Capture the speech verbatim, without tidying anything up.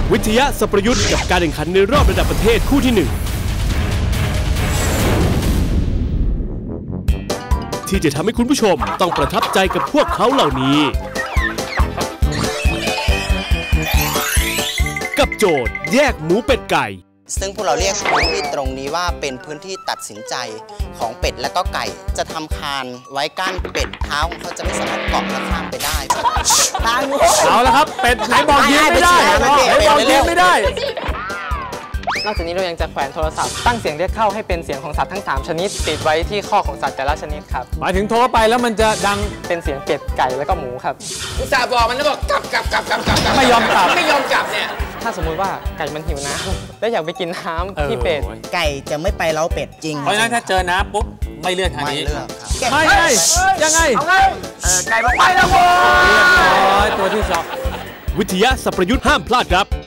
วิทยาสัพยุทธ์กับการแข่งขันในรอบระดับประเทศคู่ที่หนึ่งที่จะทำให้คุณผู้ชมต้องประทับใจกับพวกเขาเหล่านี้กับโจทย์แยกหมูเป็ดไก่ซึ่งพวกเราเรียกพื้นที่ตรงนี้ว่าเป็นพื้นที่ตัดสินใจของเป็ดและก็ไก่จะทำคานไว้กั้นเป็ดเท้าของเขาจะไม่สามารถเกาะและข้ามไปได้ทางงูเอาละครับเป็ดไหนบอกยืนไม่ได้ไหนบอกยืนไม่ได้นอกจากนี้เรายังจะแขวนโทรศัพท์ตั้งเสียงเรียกเข้าให้เป็นเสียงของสัตว์ทั้งสามชนิดติดไว้ที่ข้อของสัตว์แต่ละชนิดครับหมายถึงโทรไปแล้วมันจะดังเป็นเสียงเป็ดไก่แล้วก็หมูครับอุตส่าห์บอกมันแล้วบอกกลับกลับกลับกลับกลับไม่ยอมกลับไม่ยอมกลับเนี่ยถ้าสมมุติว่าไก่มันหิวน้ำและอยากไปกินน้ำที่เป็ดไก่จะไม่ไปเล้าเป็ดจริงเพราะฉะนั้นถ้าเจอน้ำปุ๊บไม่เลือกทางนี้ไม่ไงยังไงไก่บอกไปแล้วโว้ยตัวที่สองวิทยาสัพยุทธ์ห้ามพลาดครับ